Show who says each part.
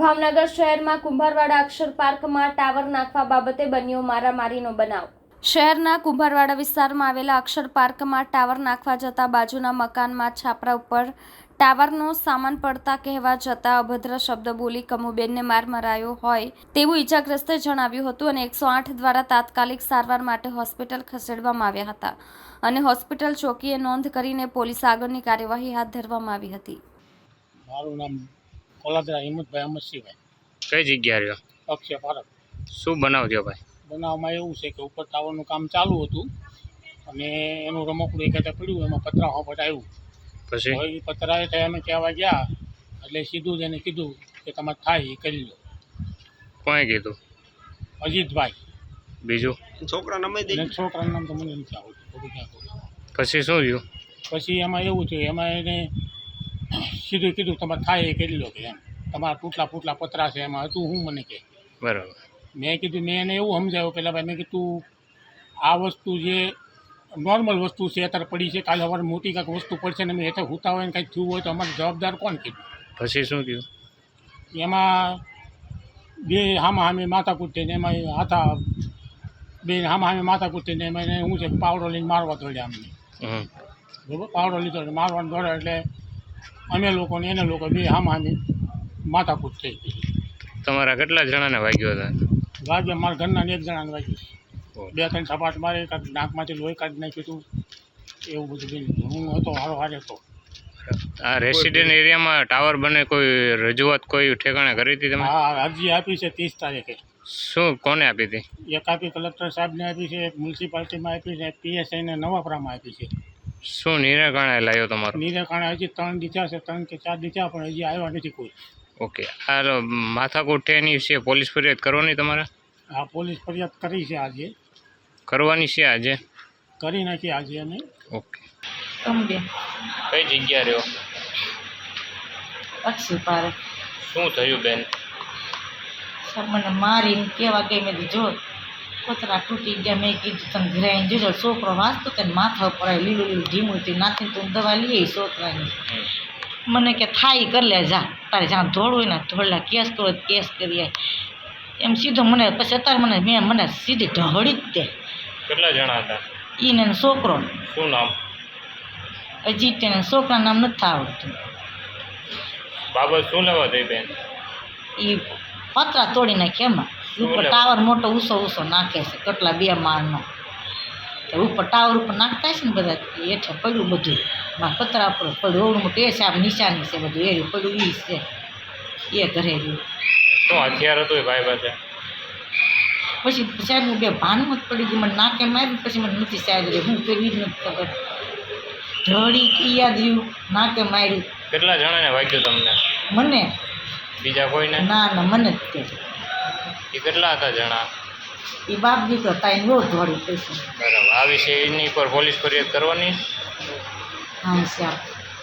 Speaker 1: ભાવનગર શહેરમાં કુંભારવાડા અક્ષર પાર્કમાં ટાવર નાખવા બાબતે બન્યો મારામારીનો બનાવ। શહેરના કુંભારવાડા વિસ્તારમાં આવેલા અક્ષર પાર્કમાં ટાવર નાખવા જતા બાજુના મકાનમાં છાપરા ઉપર ટાવરનો સામાન પડતા કહેવા જતા અભદ્ર શબ્દ બોલી કમુબેનને માર મરાયો હોય તેવું ઈજાગ્રસ્તે જણાવ્યું હતું અને 108 દ્વારા તાત્કાલિક સારવાર માટે હોસ્પિટલ ખસેડવામાં આવ્યા હતા અને હોસ્પિટલ ચોકીએ નોંધ કરીને પોલીસ આગળની કાર્યવાહી હાથ ધરવામાં આવી હતી।
Speaker 2: મારું નામ કોલાદરા હિંમતભાઈ અમરસિંહભાઈ।
Speaker 3: કઈ જગ્યા રહ્યો?
Speaker 2: અક્ષય પાર્ક।
Speaker 3: શું બનાવ થયો ભાઈ?
Speaker 2: બનાવમાં એવું છે કે ઉપર ટાવરનું કામ ચાલુ હતું અને એનું રમકડું એક હાથે પડ્યું, એમાં પતરા હોપટ આવ્યું।
Speaker 3: પછી
Speaker 2: હવે એ પતરાએ થાય અમે કહેવા ગયા એટલે સીધું જ એને કીધું કે તમારે થાય એ કરી લો।
Speaker 3: કોણે કીધું?
Speaker 2: અજીતભાઈ।
Speaker 3: બીજું
Speaker 2: અને છોકરાનું નામ તો મને નથી આવડતું, બધું ક્યાં કહું।
Speaker 3: પછી શું થયું?
Speaker 2: પછી એમાં એવું થયું, એમાં એને સીધું કીધું તમારે થાય એ કરી લો કે એમ, તમારા તૂટલા પતરા છે એમાં હતું હું મને કહે।
Speaker 3: બરાબર।
Speaker 2: મેં કીધું, મેં એને એવું સમજાવ્યું પહેલાં ભાઈ, મેં કીધું આ વસ્તુ જે નોર્મલ વસ્તુ છે અત્યારે પડી છે, કાલે સવારે મોટી કાંઈક વસ્તુ પડશે ને મેં હેઠળ હુતા હોય ને કાંઈક થયું હોય તો અમારે જવાબદાર કોણ કીધું?
Speaker 3: પછી શું થયું?
Speaker 2: એમાં બે હામે માથાકૂટ થઈને એમાં હાથા બે હામે માથાકૂટ થઈને એમાં એને શું છે પાવડો લઈને મારવા દોડ્યા અમને। બરાબર, પાવડો લીધો એટલે મારવાનું દોડ્યા એટલે અમે લોકો ને એને લોકો બે હામે માથાકૂટ થઈ ગઈ।
Speaker 3: તમારા કેટલા જણાને વાગ્યો હતા?
Speaker 2: વાગ્યા મારા ઘરના એક જણાને વાગ્યું, 2-3 સપાટ મારે, કાંઈક નાકમાંથી લોહી કાઢી નાખ્યું હતું, એવું બધું બન્યું। હું હતો હારો હારે હતો।
Speaker 3: આ રેસિડેન્ટ એરિયામાં ટાવર બને કોઈ રજૂઆત કોઈ ઠેકાણે કરી હતી તમે?
Speaker 2: હા, અરજી આપી છે 30 તારીખે।
Speaker 3: શું કોને આપી હતી?
Speaker 2: એક આપી કલેક્ટર સાહેબને આપી છે, એક મ્યુનિસિપાલિટીમાં આપી છે, PSIને નવાપરામાં આપી છે।
Speaker 3: શું નિરાકરણે લાવ્યો તમારો?
Speaker 2: નિરાકરણે હજી 3 દીધા છે, 3 કે 4 દીધા પણ હજી આવ્યા નથી કોઈ।
Speaker 3: ઓકે, આ માથાકૂટ એની છે, પોલીસ ફરિયાદ કરવાની તમારે?
Speaker 2: આ પોલીસ ફરિયાદ કરી છે, આજે
Speaker 3: કરવાની છે, આજે
Speaker 2: કરી નાખી આજે અમે।
Speaker 3: ઓકે, કઈ જગ્યા રહ્યો?
Speaker 4: અક્ષય પાર્ક।
Speaker 3: શું થયું બેન?
Speaker 4: મને મારીને કેવા ગઈ, મેં જો પતરા તૂટી ગયા, મેં કીધું તમે ઘરે આવીને જોજો। છોકરો વાંચતો તેને માથા ઉપર આવી લીલું ઢીમું હતી, નાખીને તું દવા લઈ આવી છોકરાની। મને કે થાય કરી લે, જા તારે જ્યાં ધોળ હોય ને ધોળલા, કેસ કરો કેસ કરીએ એમ સીધો મને। પછી અત્યારે મને સીધી ઢહળી જ દે।
Speaker 3: કેટલા જણા હતા?
Speaker 4: એને છોકરો
Speaker 3: શું નામ?
Speaker 4: અજીત, એને છોકરાનું નામ નથી આવડતું।
Speaker 3: બાબત શું લેવા થઈ બેન?
Speaker 4: એ પતરા તોડી નાખે એમાં, ઉપર ટાવર મોટો ઊંચો નાખે છે, કેટલા 2 માળનો, ઉપર ટાવર ઉપર નાખતા છે ને બધા, હેઠે પડ્યું બધું, માં પતરા ઉપર પડ્યું, ઓવડું મોટું એ છે, આ નિશાની છે બધું એ પડ્યું, એ છે એ ઘરે રહ્યું।
Speaker 3: શું હથિયાર હતું એ ભાઈ પાસે?
Speaker 4: પછી સાહેબ હું બે ભાનમાં જ પડી ગઈ, મને નાકે માર્યું, પછી મને નથી સાહેબ રહી, હું કરવી જ નથી ખબર, ઢળી યાદ રહ્યું, નાકે માર્યું।
Speaker 3: કેટલા જણાને વાગ્યું તમને?
Speaker 4: મને?
Speaker 3: બીજા કોઈને?
Speaker 4: ના મને જ તે।
Speaker 3: એ કેટલા હતા જણા?
Speaker 4: એ બાપ દીકરો તાઈને બહુ ધોળી પૈસા।
Speaker 3: બરાબર, આ વિશે એની પર પોલીસ ફરિયાદ કરવાની?
Speaker 4: હા સાહેબ।